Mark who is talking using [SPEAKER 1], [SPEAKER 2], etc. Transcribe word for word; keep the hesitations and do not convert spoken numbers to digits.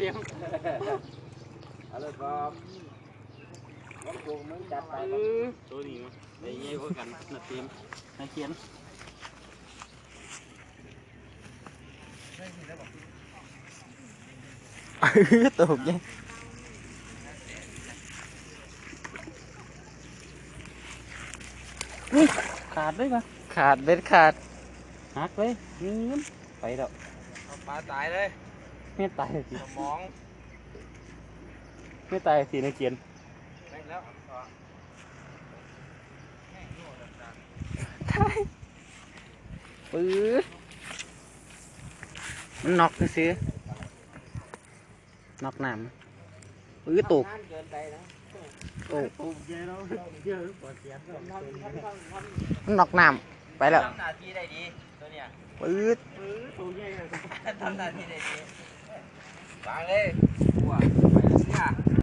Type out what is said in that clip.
[SPEAKER 1] ทีม
[SPEAKER 2] เอาเลยครับน้องกูมึงจัดไปตัวนี้มั้ยไอ้เงี้ยพวกกันนัดทีมนายเขียน
[SPEAKER 3] ตัวหกยัง
[SPEAKER 2] ขาดด้วยปะ
[SPEAKER 3] ขาดเบ็ดขาด
[SPEAKER 2] หักเลยเงี้ยไปแล้ว
[SPEAKER 1] ปลาตายเลย
[SPEAKER 2] ไม่ตายสิ
[SPEAKER 1] สมอง
[SPEAKER 2] ไม่ตายสินายเขียน
[SPEAKER 1] แม่งแล้ว
[SPEAKER 3] ปื้อมันน็อกซื้อน็อกน้ำปื้อตก
[SPEAKER 1] เกินไปนะ
[SPEAKER 3] ตก
[SPEAKER 2] ปุ๊บเยอะแล้วเยอะปวดเสียง
[SPEAKER 3] มันน็อกน้ำไปแล้ว
[SPEAKER 1] ทำหน้าที่ได้ดีตัวเนี้ย
[SPEAKER 3] ปื้อ
[SPEAKER 2] ตัวใหญ่
[SPEAKER 1] ทำหน้าที่ได้ดีวางเลยว้าไปเลยเนี่ย